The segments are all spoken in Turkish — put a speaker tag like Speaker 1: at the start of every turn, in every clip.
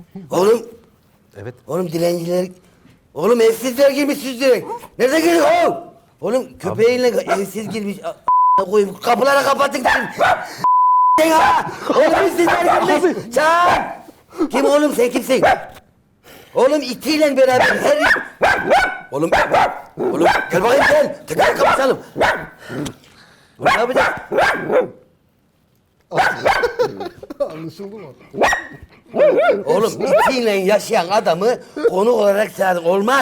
Speaker 1: Oğlum.
Speaker 2: Evet.
Speaker 1: Oğlum dilenciler. Oğlum evsizler girmiş siz direkt. Nerede giriyor oğlum? Oğlum köpeğinle evsiz girmiş. Koyayım kapıları kapatın dedim. Ha! Oğlum evsizler girmiş. Çağır. Kim oğlum sen kimsin? Oğlum itiyle beraber her... Oğlum gel bakayım gel. Tekrar kapatalım. Ne yapacağız?
Speaker 3: Anlaşıldı mı?
Speaker 1: Oğlum itiyle yaşayan adamı konuk olarak çağırdık. Olmaz.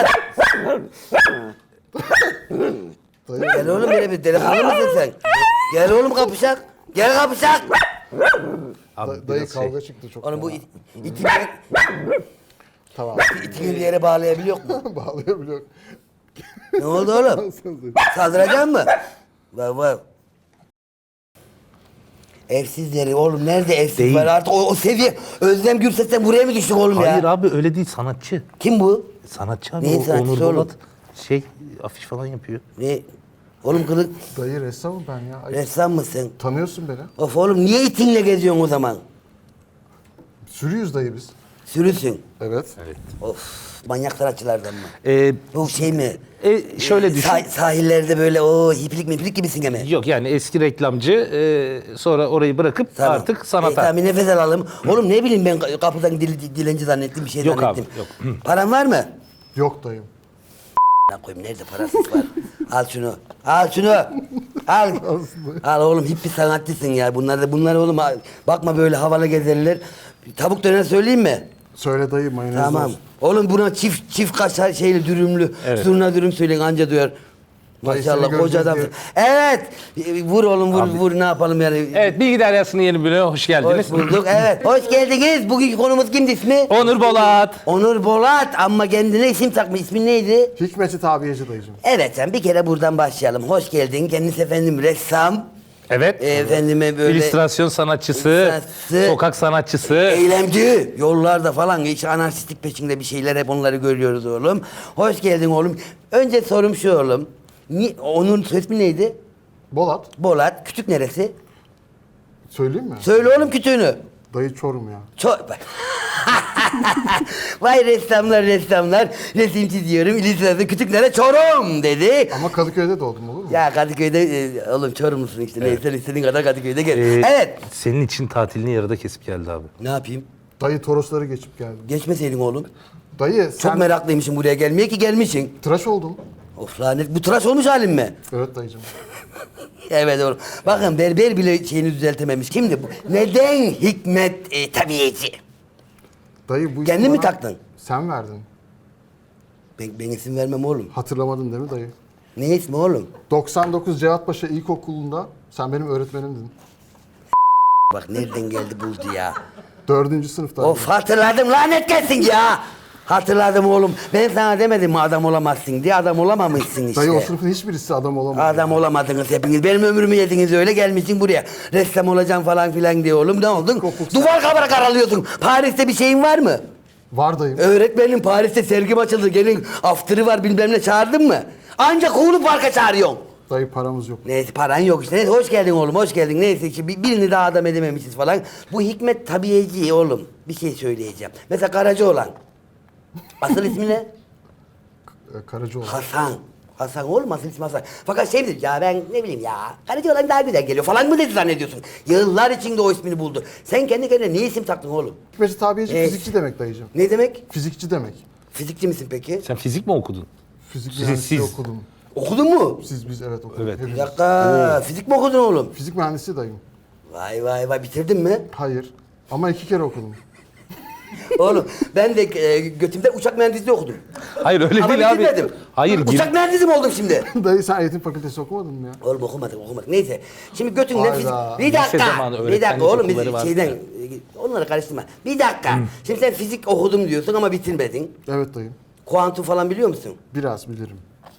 Speaker 1: Gel oğlum böyle bir delikanlı mısın sen? Gel oğlum kapışak. Gel kapışak.
Speaker 2: Abi
Speaker 3: Dayı
Speaker 2: biraz
Speaker 3: kavga çıktı çok.
Speaker 1: Oğlum bu
Speaker 3: fena.
Speaker 1: itini
Speaker 3: Tamam.
Speaker 1: bir yere bağlayabiliyor mu?
Speaker 3: Bağlayabiliyor.
Speaker 1: Ne oldu oğlum? Saldıracaksın mı? Var. Evsizleri oğlum nerede evsiz
Speaker 2: Değil.
Speaker 1: var artık o seviye. Özlem Gürses'ten buraya mı düştük oğlum
Speaker 2: Hayır
Speaker 1: ya?
Speaker 2: abi öyle değil, sanatçı.
Speaker 1: Kim bu?
Speaker 2: Sanatçı abi.
Speaker 1: Neyin
Speaker 2: O
Speaker 1: sanatçısı
Speaker 2: Onur
Speaker 1: oğlum?
Speaker 2: Bolat afiş falan yapıyor.
Speaker 1: Ne? Oğlum kılık
Speaker 3: Dayı ressamım ben ya. Ay,
Speaker 1: ressam mısın?
Speaker 3: tanıyorsun beni.
Speaker 1: Of oğlum niye itinle geziyorsun o zaman?
Speaker 3: Sürüyüz dayı biz.
Speaker 1: Sürüsün.
Speaker 3: Evet.
Speaker 1: Of manyak sanatçılardan mı?
Speaker 2: Ee,
Speaker 1: Bu şey mi?
Speaker 2: şöyle düşün.
Speaker 1: Sahillerde böyle o hiplik gibisin mi?
Speaker 2: Yok yani eski reklamcı, sonra orayı bırakıp
Speaker 1: Tamam.
Speaker 2: artık sanata.
Speaker 1: Tamam bir nefes alalım. Oğlum ne bileyim ben kapıdan dilenci zannettim bir şey
Speaker 2: Yok
Speaker 1: zannettim.
Speaker 2: abi, yok.
Speaker 1: Paran var mı?
Speaker 3: Yok dayım.
Speaker 1: Ne koyayım nerede parasız var? Al şunu. Al şunu. Al. Al oğlum hippi sanatçısın ya. Bunlar oğlum bakma böyle havalı gezerler. Tavuk döner söyleyeyim mi?
Speaker 3: Söyle dayı mayonez
Speaker 1: Tamam.
Speaker 3: olsun.
Speaker 1: Oğlum buna çift kaşar şeyli dürümlü.
Speaker 2: Evet.
Speaker 1: Zurna dürüm söyleyin anca duyar.
Speaker 3: Dayı
Speaker 1: Maşallah
Speaker 3: seni
Speaker 1: koca
Speaker 3: göreceğiz
Speaker 1: adamsın. Evet. Vur oğlum vur ne yapalım yani.
Speaker 2: Evet, Bilgi Deryası'nın yeni bölümüne hoş geldiniz.
Speaker 1: Hoş bulduk. Evet. Hoş geldiniz. Bugünkü konumuz kimdi ismi?
Speaker 2: Onur Bolat.
Speaker 1: Onur Bolat ama kendine isim takmış. İsmin neydi?
Speaker 3: Hikmeti tabiyeci dayıcım.
Speaker 1: Evet sen bir kere buradan başlayalım. Hoş geldin. Kendisi efendim ressam.
Speaker 2: Evet.
Speaker 1: Efendime böyle
Speaker 2: İllüstrasyon sanatçısı,
Speaker 1: sanatçısı,
Speaker 2: sokak sanatçısı.
Speaker 1: eylemci. Yollarda falan hiç anarşistik peşinde bir şeyler hep onları görüyoruz oğlum. Hoş geldin oğlum. Önce sorum şu oğlum. Onun ismi neydi?
Speaker 3: Bolat.
Speaker 1: Bolat. Kütük neresi?
Speaker 3: Söyleyeyim mi?
Speaker 1: Söyle oğlum kütüğünü.
Speaker 3: Dayı Çorum ya.
Speaker 1: Vay ressamlar. Resim çiziyorum. İllüstrasyon kütüklere Çorum dedi.
Speaker 3: Ama Kadıköy'de doğdum olur mu?
Speaker 1: Ya Kadıköy'de oğlum Çorumlusun işte. Neyse istediğin kadar Kadıköy'de gel.
Speaker 2: Ee,
Speaker 1: Evet.
Speaker 2: Senin için tatilini yarıda kesip geldi abi.
Speaker 1: Ne yapayım?
Speaker 3: Dayı Torosları geçip geldim.
Speaker 1: Geçmeseydin oğlum.
Speaker 3: Dayı
Speaker 1: Çok
Speaker 3: sen
Speaker 1: meraklıymışım buraya gelmeye ki gelmişsin.
Speaker 3: tıraş oldun.
Speaker 1: Of lanet bu tıraş olmuş halin mi?
Speaker 3: Evet dayıcım.
Speaker 1: Evet oğlum. Bakın berber bile şeyini düzeltememiş. Kimdi bu? Neden Hikmet Tabiyeci?
Speaker 3: Dayı bu
Speaker 1: Kendin
Speaker 3: ismi
Speaker 1: mi
Speaker 3: bana
Speaker 1: taktın?
Speaker 3: Sen verdin.
Speaker 1: Ben isim vermem oğlum.
Speaker 3: Hatırlamadın değil mi dayı?
Speaker 1: Ne ismi oğlum?
Speaker 3: 99 Cevatpaşa İlkokulu'nda sen benim öğretmenimdin.
Speaker 1: Bak nereden geldi buldu ya.
Speaker 3: 4. sınıfta.
Speaker 1: Of hatırladım lanet gelsin ya. Hatırladım oğlum. Ben sana demedim mi adam olamazsın diye adam olamamışsın işte.
Speaker 3: Dayı o sınıfın hiçbirisi adam olamadı.
Speaker 1: Adam olamadınız hepiniz. Benim ömrümü yediniz öyle gelmişsin buraya. Ressam olacağım falan filan diye oğlum. Ne oldun?
Speaker 3: Kopuk
Speaker 1: Duvar kavara karalıyorsun. Paris'te bir şeyin var mı?
Speaker 3: Var dayım.
Speaker 1: Öğretmenim Paris'te sergim açıldı. Gelin after'ı var bilmem ne çağırdın mı? Ancak Kuğulu Park'a çağırıyorsun.
Speaker 3: Dayı paramız yok.
Speaker 1: Neyse paran yok işte. Neyse, hoş geldin oğlum hoş geldin. Neyse ki birini daha adam edememişiz falan. Bu Hikmet Tabiyeci oğlum. Bir şey söyleyeceğim. Mesela Karacaoğlan. Asıl ismi ne?
Speaker 3: Karacaoğlu.
Speaker 1: Hasan. Hasan oğlum asıl ismi Hasan. Fakat şey dedi ya ben ne bileyim ya Karacaoğlan daha güzel geliyor falan mı dedi zannediyorsun. Yıllar içinde o ismini buldu. Sen kendi kendine niye isim taktın oğlum?
Speaker 3: Hikmeti tabiyeci
Speaker 1: Evet.
Speaker 3: fizikçi demek dayıcım.
Speaker 1: Ne demek?
Speaker 3: Fizikçi demek.
Speaker 1: Fizikçi misin peki?
Speaker 2: Sen fizik mi okudun?
Speaker 3: Fizik
Speaker 2: Siz-
Speaker 3: mühendisliği
Speaker 2: siz-
Speaker 3: okudum.
Speaker 1: Okudun mu?
Speaker 3: Biz evet okuduk.
Speaker 2: Evet.
Speaker 1: Bir
Speaker 3: Hepimiz.
Speaker 1: dakika. Fizik mi okudun oğlum?
Speaker 3: Fizik mühendisi dayım.
Speaker 1: Vay bitirdin mi?
Speaker 3: Hayır. Ama 2 kere okudum.
Speaker 1: Oğlum ben de götümde uçak mühendisliği okudum.
Speaker 2: Hayır öyle
Speaker 1: Ama
Speaker 2: değil abi.
Speaker 1: bitirmedim.
Speaker 2: Hayır.
Speaker 1: Uçak mühendisi mi oldum şimdi?
Speaker 3: Dayı sen eğitim fakültesi okumadın mı ya?
Speaker 1: Oğlum okumadık. Neyse. Şimdi götünden
Speaker 3: Hayda.
Speaker 1: fizik... Bir
Speaker 2: Lise
Speaker 1: dakika.
Speaker 2: zamanı
Speaker 1: Bir dakika
Speaker 2: öğretmenlik
Speaker 1: oğlum
Speaker 2: okulları
Speaker 1: biz
Speaker 2: vardı.
Speaker 1: şeyden... Onları karıştırma. Bir dakika. Şimdi sen fizik okudum diyorsun ama bitirmedin.
Speaker 3: Evet dayım.
Speaker 1: Kuantum falan biliyor musun?
Speaker 3: Biraz bilirim.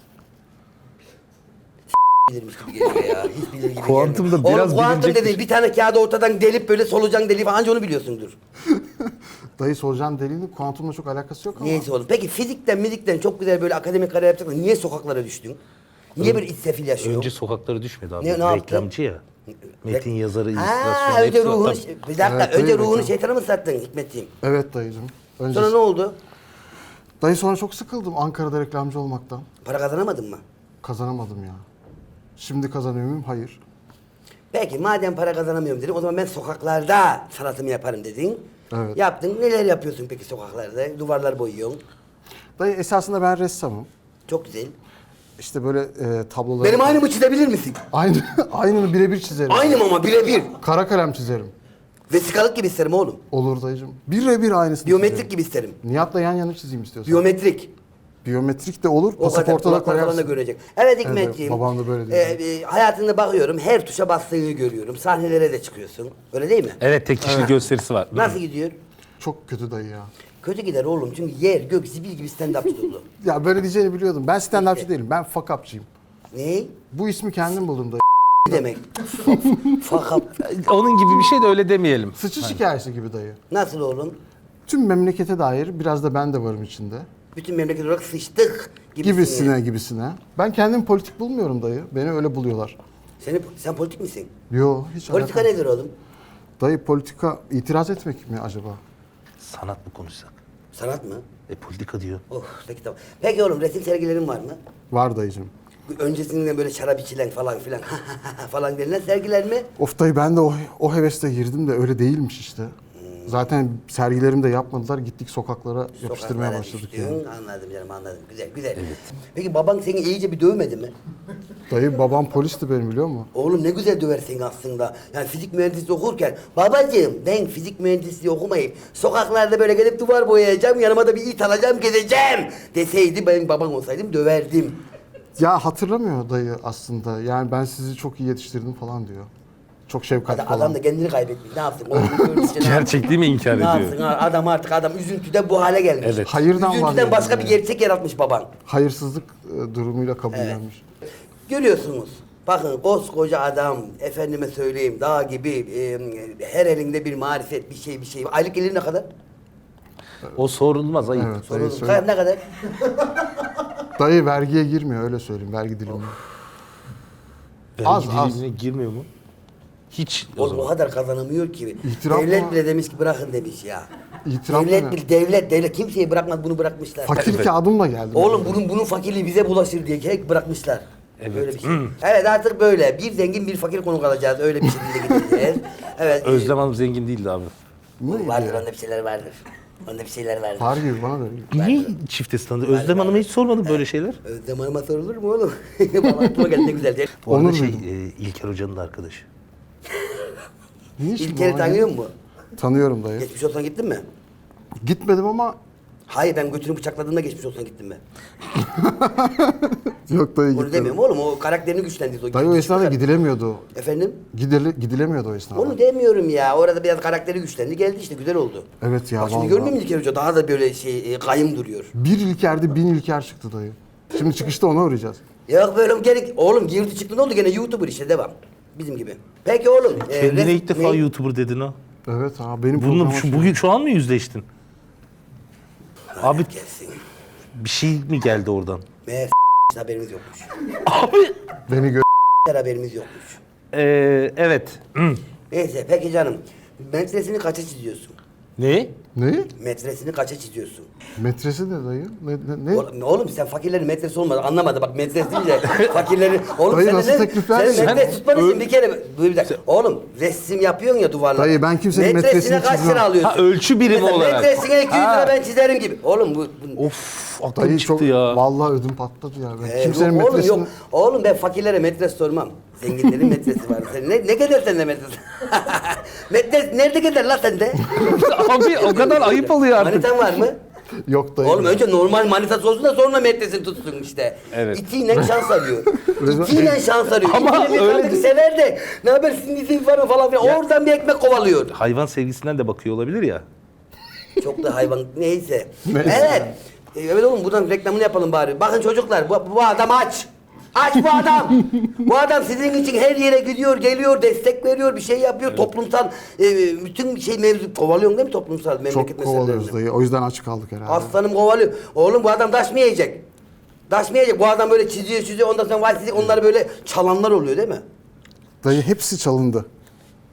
Speaker 1: Bilirmiş gibi geliyor ya. Hiç bilir gibi
Speaker 2: Kuantum da
Speaker 1: gelmiyor.
Speaker 2: biraz
Speaker 1: Oğlum kuantum
Speaker 2: bilinecek
Speaker 1: dediğin bir tane kağıdı ortadan delip böyle solucan deliği falan anca onu biliyorsundur.
Speaker 3: Dayı solucan deliğinin kuantumla çok alakası yok ama.
Speaker 1: Neyse oğlum. Peki fizikten çok güzel böyle akademik kariyer yapacaksın. Niye sokaklara düştün? Niye böyle iç sefil yaşıyorsun?
Speaker 2: Önce sokaklara düşmedi abi.
Speaker 1: Ne yaptı?
Speaker 2: Reklamcı ya. Metin yazarı,
Speaker 1: Ha,
Speaker 2: illüstrasyon
Speaker 1: önce
Speaker 2: hepsi
Speaker 1: ruhunu...
Speaker 2: zaten-
Speaker 1: Bir dakika.
Speaker 3: Evet,
Speaker 1: önce
Speaker 3: buyur
Speaker 1: ruhunu
Speaker 3: bakayım.
Speaker 1: şeytana mı sattın Hikmetciğim?
Speaker 3: Evet dayıcım. Öncesi.
Speaker 1: Sonra ne oldu?
Speaker 3: Dayı sonra çok sıkıldım Ankara'da reklamcı olmaktan.
Speaker 1: Para kazanamadın mı?
Speaker 3: Kazanamadım ya. Şimdi kazanıyor muyum? Hayır.
Speaker 1: Peki madem para kazanamıyorum dedin, o zaman ben sokaklarda sanatımı yaparım dedin.
Speaker 3: Evet.
Speaker 1: Yaptın. Neler yapıyorsun peki sokaklarda? Duvarlar boyuyorsun.
Speaker 3: Dayı esasında ben ressamım.
Speaker 1: Çok güzel.
Speaker 3: İşte böyle tabloları...
Speaker 1: Benim aynımı çizebilir misin?
Speaker 3: Aynını birebir çizerim.
Speaker 1: Aynım ama birebir.
Speaker 3: Kara kalem çizerim.
Speaker 1: Vesikalık gibi isterim oğlum.
Speaker 3: Olur dayıcım. Birebir aynısını
Speaker 1: Biyometrik
Speaker 3: çizerim.
Speaker 1: gibi isterim.
Speaker 3: Nihat'la yan yana çizeyim istiyorsan.
Speaker 1: Biyometrik.
Speaker 3: Biyometrik de olur.
Speaker 1: O kadar
Speaker 3: Pasaporta da
Speaker 1: kulaklar falan da
Speaker 3: koyarsın.
Speaker 1: görecek. Evet Hikmetciğim.
Speaker 3: babam da böyle diyor.
Speaker 1: Hayatında bakıyorum, her tuşa bastığını görüyorum. Sahnelere de çıkıyorsun. Öyle değil mi?
Speaker 2: Evet, tek kişilik gösterisi var.
Speaker 1: Nasıl gidiyor?
Speaker 3: Çok kötü dayı ya.
Speaker 1: Kötü gider oğlum çünkü yer, gök, zibil gibi stand-upçı dolu.
Speaker 3: Ya böyle diyeceğini biliyordum. Ben stand-upçı değilim. Ben fuck up'çıyım.
Speaker 1: Ne?
Speaker 3: Bu ismi kendim buldum dayı.
Speaker 1: Ne demek? Fakat
Speaker 2: Onun gibi bir şey de öyle demeyelim.
Speaker 3: Sıçış hikayesi gibi dayı.
Speaker 1: nasıl oğlum?
Speaker 3: Tüm memlekete dair biraz da ben de varım içinde.
Speaker 1: Bütün memleket olarak sıçtık gibisine.
Speaker 3: Gibisine. Ben kendim politik bulmuyorum dayı. Beni öyle buluyorlar.
Speaker 1: Sen politik misin?
Speaker 3: Yo hiç
Speaker 1: Politika
Speaker 3: alakam-
Speaker 1: nedir oğlum?
Speaker 3: Dayı politika itiraz etmek mi acaba?
Speaker 2: Sanat mı konuşsak?
Speaker 1: Sanat mı?
Speaker 2: Politika diyor.
Speaker 1: Oh peki tamam. Peki oğlum resim sergilerin var mı?
Speaker 3: Var dayıcım.
Speaker 1: Öncesinde böyle şarap içilen falan filan falan denilen sergiler mi?
Speaker 3: Of dayı ben de o heveste girdim de öyle değilmiş işte. Zaten sergilerimi de yapmadılar. Gittik sokaklara yapıştırmaya
Speaker 1: Sokaklara
Speaker 3: başladık
Speaker 1: düştün.
Speaker 3: yani.
Speaker 1: Anladım canım anladım. Güzel güzel. Peki baban seni iyice bir dövmedi mi?
Speaker 3: Dayı babam polisti benim biliyor musun?
Speaker 1: Oğlum ne güzel döver seni aslında. Yani fizik mühendisliği okurken babacığım ben fizik mühendisliği okumayıp sokaklarda böyle gelip duvar boyayacağım, yanıma da bir it alacağım, gezeceğim deseydi, benim babam olsaydım döverdim.
Speaker 3: Ya hatırlamıyor dayı aslında. Yani ben sizi çok iyi yetiştirdim falan diyor. Çok şefkatli falan.
Speaker 1: Adam da kendini kaybetmiş. Ne yapsın? Oğlum, görünüşçe ne
Speaker 2: Gerçekliği mi inkar
Speaker 1: Ne
Speaker 2: ediyor?
Speaker 1: yapsın? Adam üzüntüden bu hale gelmiş.
Speaker 2: Evet.
Speaker 3: Hayırdan
Speaker 1: Üzüntüden
Speaker 3: vazgeçti
Speaker 1: başka bir
Speaker 3: yani.
Speaker 1: gerçek yaratmış baban.
Speaker 3: Hayırsızlık durumuyla kabullenmiş.
Speaker 1: Görüyorsunuz. Bakın koskoca adam, efendime söyleyeyim, dağ gibi, her elinde bir marifet, bir şey. Aylık gelir ne kadar?
Speaker 2: O sorulmaz, ayıp.
Speaker 3: Evet.
Speaker 1: Sorun
Speaker 3: söyle.
Speaker 1: ne kadar?
Speaker 3: Dayı vergiye girmiyor öyle söyleyeyim. Vergi dilimine. Az, az.
Speaker 2: Dilimine girmiyor mu? Hiç o
Speaker 1: Oğlum o
Speaker 2: zaman.
Speaker 1: kadar kazanamıyor ki.
Speaker 3: İtiraf
Speaker 1: Devlet
Speaker 3: mı?
Speaker 1: bile demiş ki bırakın demiş ya.
Speaker 3: İtiraf
Speaker 1: devlet
Speaker 3: mı?
Speaker 1: bile, devlet kimseyi bırakmadı, bunu bırakmışlar.
Speaker 3: Fakir kağıdımla geldim.
Speaker 1: Oğlum bunun fakirliği bize bulaşır diye hep bırakmışlar.
Speaker 2: Evet.
Speaker 1: Böyle bir şey. Evet artık böyle. Bir zengin bir fakir konuk alacağız. Öyle bir şekilde gideceğiz. Evet.
Speaker 2: Özlem Hanım zengin değildi abi.
Speaker 1: Vardır onda bir şeyler vardır. Onda bir şeyler vardır.
Speaker 3: Var gibi bana da.
Speaker 2: Niye çifte standı? Özlem Hanım'a hiç sormadım böyle şeyler.
Speaker 1: Özlem Hanım'a sorulur mu oğlum? Baba aklıma geldi ne güzel diye.
Speaker 2: Bu arada
Speaker 3: Onur
Speaker 2: şey,
Speaker 3: duydum.
Speaker 2: İlker Hoca'nın da arkadaşı.
Speaker 3: Niye şimdi
Speaker 1: İlker'i
Speaker 3: bana
Speaker 1: tanıyor
Speaker 3: geldi?
Speaker 1: musun?
Speaker 3: Tanıyorum dayı.
Speaker 1: Geçmiş olsan gittin mi?
Speaker 3: Gitmedim ama
Speaker 1: Hayır ben götünü bıçakladığımda geçmiş olsan gittim mi?
Speaker 3: yok dayı
Speaker 1: Onu
Speaker 3: gitmedim.
Speaker 1: demiyorum oğlum o karakterini güçlendirdi.
Speaker 3: Dayı o esnada gidilemiyordu.
Speaker 1: Efendim?
Speaker 3: Gidilemiyordu o esnada.
Speaker 1: Onu demiyorum ya. Orada biraz karakteri güçlendi. Geldi işte güzel oldu.
Speaker 3: Evet ya
Speaker 1: Bak şimdi
Speaker 3: vallahi.
Speaker 1: görmüyor musun İlker Hoca? Daha da böyle kayım duruyor.
Speaker 3: Bir İlker'de 1000 İlker çıktı dayı. Şimdi çıkışta ona uğrayacağız.
Speaker 1: Yok böyle gerek. Oğlum girdi çıktı ne oldu gene YouTuber işte devam. Bizim gibi. Peki oğlum.
Speaker 2: Kendine ilk defa
Speaker 1: ne?
Speaker 2: YouTuber dedin ha.
Speaker 3: Evet ha benim
Speaker 2: Bununla
Speaker 3: programa
Speaker 2: bugün şu an mı yüzleştin? Abi
Speaker 1: Gelsin.
Speaker 2: bir şey mi geldi oradan?
Speaker 1: Meğer haberimiz yokmuş.
Speaker 2: Abi.
Speaker 3: beni gö...
Speaker 1: Haberimiz yokmuş.
Speaker 2: Evet.
Speaker 1: Neyse peki canım. Metresini kaça çiziyorsun?
Speaker 2: Ne?
Speaker 3: Ne?
Speaker 1: Metresini kaça çiziyorsun?
Speaker 3: Metresi ne dayı? Ne?
Speaker 1: Oğlum sen fakirlerin metresi olmadı anlamadı bak metres deyince fakirlerin oğlum
Speaker 3: Dayı
Speaker 1: sen
Speaker 3: nasıl teklifler
Speaker 1: sen
Speaker 3: ya?
Speaker 1: metres tutmadın için bir kere bir dakika oğlum resim yapıyorsun ya duvarlara.
Speaker 3: Dayı, ben kimsenin metresini
Speaker 1: kaç
Speaker 3: çizmem.
Speaker 1: lira alıyorsun?
Speaker 2: Ha, ölçü birimi
Speaker 1: Mesela
Speaker 2: olarak.
Speaker 1: Metresine 200 lira
Speaker 2: Ha.
Speaker 1: ben çizerim gibi. Oğlum bu
Speaker 2: Of aklım
Speaker 3: Dayı
Speaker 2: çıktı
Speaker 3: çok
Speaker 2: ya.
Speaker 3: vallahi ödüm patladı ya. Ben
Speaker 1: Yok
Speaker 3: kimsenin
Speaker 1: oğlum
Speaker 3: metresini...
Speaker 1: yok. Oğlum ben fakirlere metres sormam. Zenginlerin metresi var. Sen ne kadar sende metres? Metres nerede kadar la sende?
Speaker 2: Abi o kadar ayıp oluyor artık.
Speaker 1: Manitan var mı?
Speaker 3: Yok dayı.
Speaker 1: Oğlum önce normal manitası olsun da sonra metresini tutsun işte.
Speaker 2: Evet.
Speaker 1: İtiyle şans arıyor.
Speaker 3: Resmen-
Speaker 1: İtiyle şans arıyor.
Speaker 2: Ama
Speaker 1: İtiyle bir
Speaker 2: öyle
Speaker 1: kadın
Speaker 2: değil.
Speaker 1: sever de ne haber sizin izin var mı falan filan. Oradan bir ekmek kovalıyor.
Speaker 2: Hayvan sevgisinden de bakıyor olabilir ya.
Speaker 1: Çok da hayvan neyse. Evet. Evet oğlum buradan reklamını yapalım bari. Bakın çocuklar bu adam aç. Aç bu adam. Bu adam sizin için her yere gidiyor, geliyor, destek veriyor, bir şey yapıyor. Toplumsal bütün şey mevzu kovalıyorsun değil mi toplumsal memleket
Speaker 3: Çok
Speaker 1: meselelerini?
Speaker 3: kovalıyoruz dayı. O yüzden aç kaldık herhalde.
Speaker 1: Aslanım kovalıyor. Oğlum bu adam taş mı yiyecek? Taş mı yiyecek? Bu adam böyle çiziyor ondan sonra valsizlik onları böyle çalanlar oluyor değil mi?
Speaker 3: Dayı hepsi çalındı.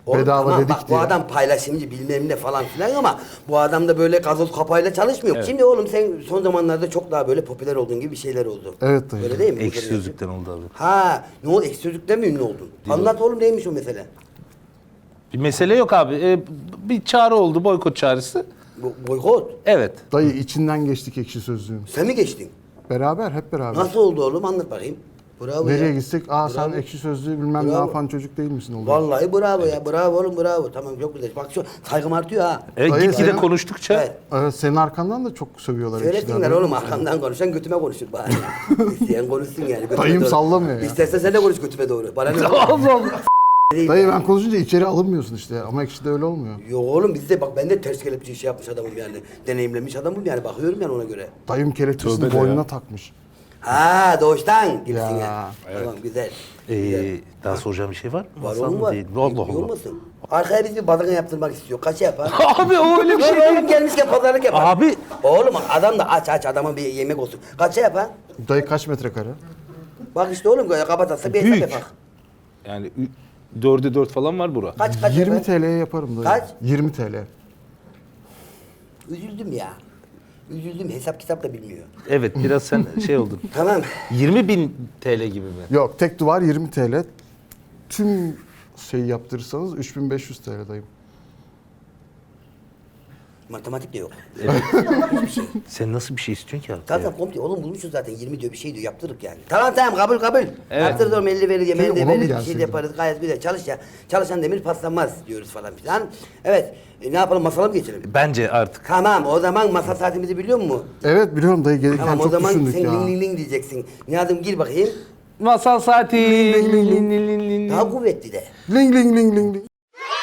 Speaker 1: Oğlum,
Speaker 3: Bedava
Speaker 1: tamam,
Speaker 3: dedik
Speaker 1: bak,
Speaker 3: diye.
Speaker 1: bu adam paylaşımcı bilmem ne falan filan ama bu adam da böyle gazoz kapağıyla çalışmıyor.
Speaker 2: Evet.
Speaker 1: Şimdi oğlum sen son zamanlarda çok daha böyle popüler olduğun gibi bir şeyler oldu.
Speaker 3: Evet dayı.
Speaker 1: Öyle değil mi?
Speaker 2: Ekşi Sözlük'ten oldu abi.
Speaker 1: Ha, ne oldu? Ekşi Sözlük'ten mi ünlü oldun? Anlat oğlum, neymiş o mesele?
Speaker 2: Bir mesele yok abi. Bir çağrı oldu, boykot çağrısı.
Speaker 1: Boykot.
Speaker 2: Evet.
Speaker 3: Dayı içinden geçtik Ekşi Sözlüğün.
Speaker 1: Sen mi geçtin?
Speaker 3: Beraber, hep beraber.
Speaker 1: Nasıl oldu oğlum? Anlat bakayım. Bravo
Speaker 3: Nereye
Speaker 1: ya.
Speaker 3: gitsek, sen Ekşi Sözlüğü bilmem ne
Speaker 1: Bravo.
Speaker 3: yapan çocuk değil misin oğlum?
Speaker 1: Vallahi bravo ya. Bravo oğlum, bravo. Tamam, çok güzel. Bak şu saygım artıyor ha.
Speaker 3: Dayı,
Speaker 2: Gitgide
Speaker 3: senin-
Speaker 2: konuştukça
Speaker 1: Evet.
Speaker 3: Evet, senin arkandan da çok sövüyorlar
Speaker 1: Söylesinler
Speaker 3: Ekşi'den.
Speaker 1: oğlum, arkamdan konuşan götüme konuşur bari. İsteyen konuşsun yani. Götüme
Speaker 3: Dayım
Speaker 1: doğru.
Speaker 3: sallamıyor ya.
Speaker 1: İstersen sen de konuş götüme doğru. Bana ne?
Speaker 2: Allah Allah.
Speaker 3: Dayı ben konuşunca içeri alınmıyorsun işte ama Ekşi'de öyle olmuyor.
Speaker 1: Yok oğlum, bizde bak, ben de ters kelepçe şey yapmış adamım yani. Deneyimlemiş adamım yani, bakıyorum yani ona göre.
Speaker 3: Dayım kelepçesini
Speaker 2: Tövbe de
Speaker 3: boynuna
Speaker 2: ya.
Speaker 3: takmış.
Speaker 1: Ha, doğuştan gibisin ya.
Speaker 3: Ya,
Speaker 1: Tamam, güzel. Güzel.
Speaker 2: Daha soracağım bir şey var mı?
Speaker 1: Var
Speaker 2: Masal
Speaker 1: oğlum,
Speaker 2: mı
Speaker 1: var.
Speaker 2: değil? Allah
Speaker 1: Bilmiyor
Speaker 2: Allah.
Speaker 1: musun? Arkaya biz bir badana yaptırmak istiyor. Kaç yapar?
Speaker 2: Abi o öyle bir şey
Speaker 1: Oğlum,
Speaker 2: değil.
Speaker 1: oğlum gelmişken pazarlık yapar.
Speaker 2: Abi.
Speaker 1: Oğlum adam da aç adama bir yemek olsun. Kaça yapar?
Speaker 3: Dayı kaç metrekare?
Speaker 1: Bak işte oğlum, kapatarsa bir hesap
Speaker 2: Büyük.
Speaker 1: yapar.
Speaker 2: Yani 4'e 4 falan var bura.
Speaker 1: Kaç
Speaker 3: 20
Speaker 1: yapar?
Speaker 3: TL'ye yaparım dayı.
Speaker 1: Kaç?
Speaker 3: 20 TL.
Speaker 1: Üzüldüm ya. Üzüldüm, hesap kitap da bilmiyor.
Speaker 2: Evet biraz sen şey oldun.
Speaker 1: Tamam.
Speaker 2: 20.000 TL gibi mi?
Speaker 3: Yok, tek duvar 20 TL. Tüm şeyi yaptırırsanız 3500 TL dayım.
Speaker 1: Matematik de yok.
Speaker 2: Sen nasıl bir şey istiyorsun ki abi?
Speaker 1: Zaten komple oğlum bulmuşuz zaten, 20 diyor bir şey diyor, yaptırırık yani. Tamam kabul.
Speaker 2: Evet.
Speaker 1: Yaptırırız oğlum, 50 verir, yemeğini de
Speaker 3: ona mı
Speaker 1: veririz, bir şey
Speaker 3: gelseydi?
Speaker 1: de yaparız, gayet güzel. Çalış ya. Çalışan demir paslanmaz diyoruz falan filan. Evet, ne yapalım, masala mı geçelim?
Speaker 2: Bence artık.
Speaker 1: Tamam, o zaman masa saatimizi biliyor musun?
Speaker 3: Evet biliyorum dayı, gelirken
Speaker 1: Tamam, o
Speaker 3: çok
Speaker 1: zaman
Speaker 3: düşündük
Speaker 1: sen
Speaker 3: ya.
Speaker 1: ling ling ling diyeceksin. Nihat'ım gir bakayım.
Speaker 2: Masal saati.
Speaker 1: Daha kuvvetli de.
Speaker 3: Ling ling ling ling ling.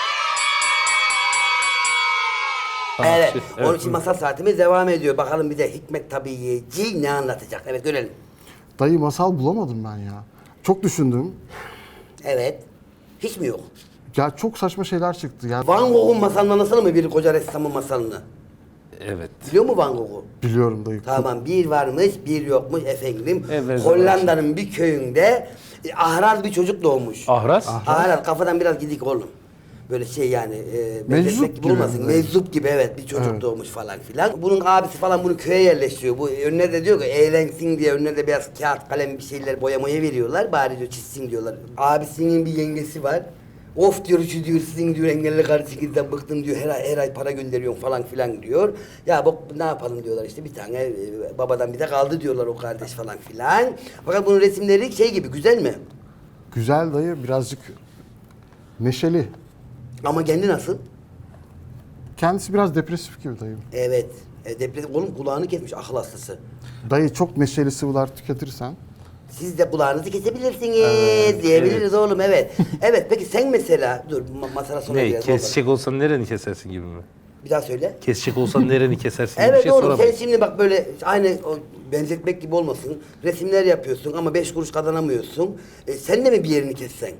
Speaker 1: Evet,
Speaker 2: evet,
Speaker 1: onun için masal saatimiz devam ediyor. Bakalım bir de Hikmet Tabiiyeci ne anlatacak? Evet, görelim.
Speaker 3: Dayı masal bulamadım ben ya. Çok düşündüm.
Speaker 1: Evet. Hiç mi yok?
Speaker 3: Ya çok saçma şeyler çıktı ya.
Speaker 1: Van Gogh'un masalını anlatsana mı, bir koca ressamın masalını?
Speaker 2: Evet.
Speaker 1: Biliyor musun Van Gogh'u?
Speaker 3: Biliyorum dayı.
Speaker 1: Tamam, bir varmış bir yokmuş efendim.
Speaker 2: Evet,
Speaker 1: Hollanda'nın bir köyünde ahraz bir çocuk doğmuş.
Speaker 2: Ahraz.
Speaker 1: Ahraz kafadan biraz gidik oğlum. Böyle şey yani,
Speaker 3: Meczup
Speaker 1: benzetmek gibi
Speaker 3: gibi
Speaker 1: olmasın.
Speaker 3: mi?
Speaker 1: Meczup gibi, evet, bir çocuk
Speaker 3: Evet.
Speaker 1: doğmuş falan filan. Bunun abisi falan bunu köye yerleştiriyor. Bu önüne de diyor ki eğlensin diye önüne de biraz kağıt kalem bir şeyler boyamaya veriyorlar. Bari diyor çizsin diyorlar. Abisinin bir yengesi var. Of diyor, şu diyor, sizin diyor engelli kardeşinizden bıktım diyor, her ay para gönderiyorsun falan filan diyor. Ya bak ne yapalım diyorlar, işte bir tane babadan bir de kaldı diyorlar o kardeş falan filan. Fakat bunun resimleri şey gibi, güzel mi?
Speaker 3: Güzel dayı, birazcık neşeli.
Speaker 1: Ama kendi nasıl?
Speaker 3: Kendisi biraz depresif gibi dayı.
Speaker 1: Evet. Depresif oğlum, kulağını kesmiş, akıl hastası.
Speaker 3: Dayı çok neşeli sıvılar tüketirsen.
Speaker 1: Siz de kulağınızı kesebilirsiniz diyebiliriz oğlum, evet. Evet, peki sen mesela, dur masala sonra
Speaker 2: Ne?
Speaker 1: biraz
Speaker 2: Kesecek olsan nereni kesersin gibi mi?
Speaker 1: Bir daha söyle.
Speaker 2: Kesecek olsan nereni kesersin gibi bir
Speaker 1: Evet
Speaker 2: şey
Speaker 1: oğlum, sen
Speaker 2: soramayız.
Speaker 1: şimdi bak böyle aynı o benzetmek gibi olmasın. Resimler yapıyorsun ama 5 kuruş kazanamıyorsun. Sen de mi bir yerini kessen?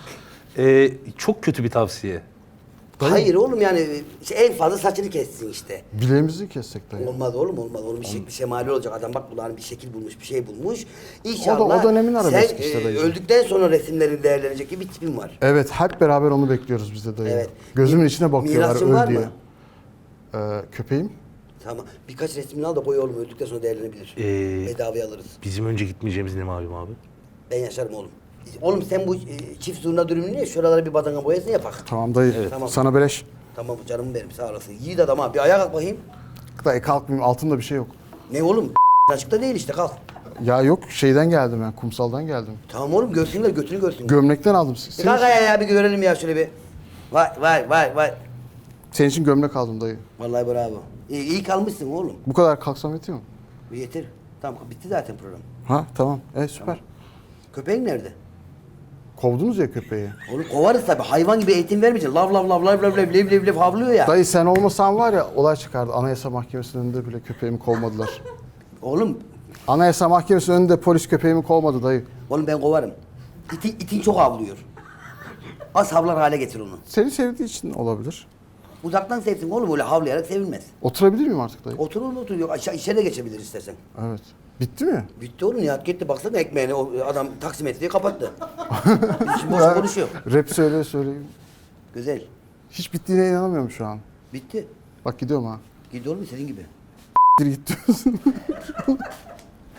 Speaker 2: Çok kötü bir tavsiye.
Speaker 3: Dayı-
Speaker 1: Hayır oğlum, yani en fazla saçını kessin işte.
Speaker 3: Bileğimizi kessek dayı.
Speaker 1: Olmaz oğlum, olmaz. Onun bir şekli şemali olacak. Adam bak kulağına bir şekil bulmuş, bir şey bulmuş.
Speaker 3: O
Speaker 1: İnşallah
Speaker 3: dönemin arabesk
Speaker 1: sen
Speaker 3: işte dayı.
Speaker 1: öldükten sonra resimlerin değerlenecek gibi bir tipin var.
Speaker 3: Evet, hep beraber onu bekliyoruz biz de dayı.
Speaker 1: Evet.
Speaker 3: Gözümün içine bakıyorlar
Speaker 1: Mirasçın var
Speaker 3: öl diye.
Speaker 1: mı?
Speaker 3: Köpeğim.
Speaker 1: Tamam. Birkaç resmini al da koy oğlum, öldükten sonra değerlenebilir. Bedavaya alırız.
Speaker 2: Bizim önce gitmeyeceğimiz ne malum abi?
Speaker 1: Ben yaşarım oğlum. Oğlum sen bu çift zurna dürümünü ne? Şuralara bir badana boyasın yapak.
Speaker 3: Tamam dayı.
Speaker 1: Evet. Tamam.
Speaker 3: Sana beleş.
Speaker 1: Tamam canım benim, sağ olasın. Yiğit adam ha. Bir ayağa kalk bakayım.
Speaker 3: Dayı kalkmayayım, altımda bir şey yok.
Speaker 1: Ne oğlum? Açıkta değil işte, kalk.
Speaker 3: Ya yok, şeyden geldim ben, kumsaldan geldim.
Speaker 1: Tamam oğlum, görsünler, götünü görsün.
Speaker 3: Gömlekten aldım.
Speaker 1: Bir kalk ayağa ya, bir görelim ya şöyle bir. Vay.
Speaker 3: Senin için gömlek aldım dayı.
Speaker 1: Vallahi bravo. İyi kalmışsın oğlum.
Speaker 3: Bu kadar kalksam yetiyor mu?
Speaker 1: Yeter. Tamam, bitti zaten program.
Speaker 3: Ha tamam. Süper.
Speaker 1: Köpeğin nerede?
Speaker 3: Kovdunuz ya köpeği.
Speaker 1: Oğlum kovarız tabii. Hayvan gibi eğitim vermeyeceksin. Lav havlıyor ya.
Speaker 3: Dayı sen olmasan var ya, olay çıkardı. Anayasa Mahkemesi'nin önünde bile köpeğimi kovmadılar.
Speaker 1: Oğlum
Speaker 3: Anayasa Mahkemesi'nin önünde polis köpeğimi kovmadı dayı.
Speaker 1: ben kovarım. İtin çok havlıyor. Az havlar hale getir onu.
Speaker 3: Seni sevdiği için olabilir.
Speaker 1: Uzaktan sevsin oğlum, öyle havlayarak sevilmez.
Speaker 3: Oturabilir miyim artık dayı?
Speaker 1: Otur oğlum, otur. Yok, aşağı içeri de geçebilir istersen.
Speaker 3: Evet. Bitti mi?
Speaker 1: Bitti oğlum, Nihat gitti, baksana ekmeğini, o adam taksimetreyi kapattı. Biz şimdi boş konuşuyor.
Speaker 3: Rap söyleyeyim.
Speaker 1: Güzel.
Speaker 3: Hiç bittiğine inanamıyorum şu an.
Speaker 1: Bitti.
Speaker 3: Bak gidiyorum ha.
Speaker 1: Git oğlum senin gibi.
Speaker 3: Git diyorsun.